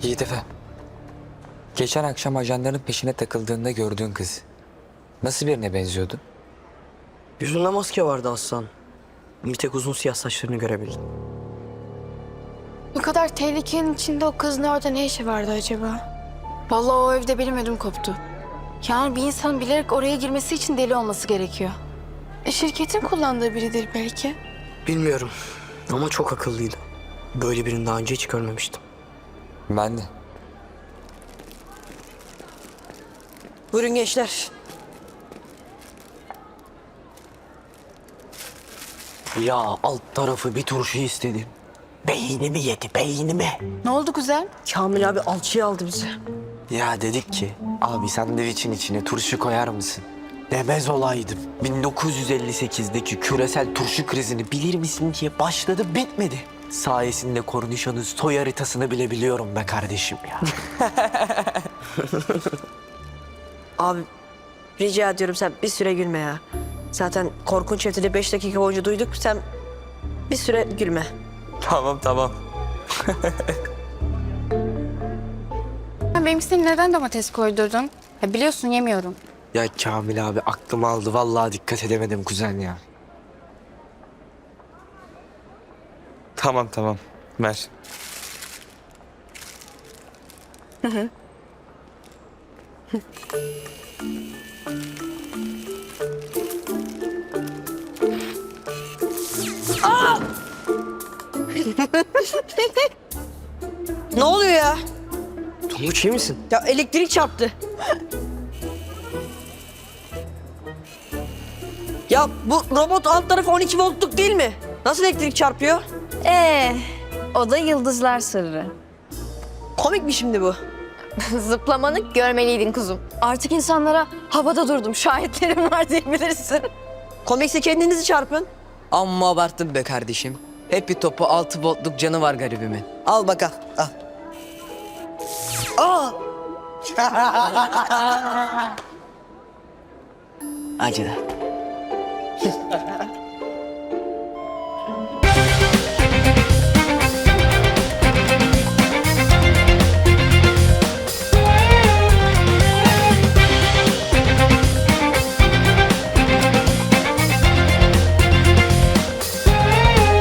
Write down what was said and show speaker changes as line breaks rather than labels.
Yiğit Efe. Geçen akşam ajanların peşine takıldığında gördüğün kız nasıl birine benziyordu?
Yüzünde maske vardı Aslan. Bir tek uzun siyah saçlarını görebildim.
Bu kadar tehlikenin içinde o kızın orada ne işi vardı acaba? Vallahi o evde benim ödüm koptu. Yani bir insan bilerek oraya girmesi için deli olması gerekiyor. Şirketin kullandığı biridir belki.
Bilmiyorum ama çok akıllıydı. Böyle birini daha önce hiç görmemiştim.
Ben de.
Buyurun gençler. Ya alt tarafı bir turşu istedim. Beynimi yedi, beynimi.
Ne oldu kuzen?
Kamil abi alçıyı aldı bize. Ya dedik ki, abi sandviçin içine turşu koyar mısın? Demez olaydım. 1958'deki küresel turşu krizini bilir misin diye başladı, bitmedi. Sayesinde kornişonun soy haritasını bile biliyorum be kardeşim ya.
Abi rica ediyorum sen bir süre gülme ya. Zaten korkunç evde 5 dakika boyunca duyduk. Sen bir süre gülme.
Tamam.
Benimkisine neden domates koydurdun? Ya biliyorsun yemiyorum.
Ya Kamil abi aklım aldı. Vallahi dikkat edemedim kuzen ya.
Tamam. Ver.
Ne oluyor ya?
Tonguç iyi misin?
Ya elektrik çarptı. Ya bu robot alt tarafı 12 voltluk değil mi? Nasıl elektrik çarpıyor?
O da yıldızlar sırrı.
Komik mi şimdi bu?
Zıplamanı görmeliydin kuzum. Artık insanlara havada durdum, şahitlerim var diyebilirsin.
Komikse kendinizi çarpın.
Amma abarttın be kardeşim. Hep bir topu 6 voltluk canı var garibimin. Al bak al.
Acıdı.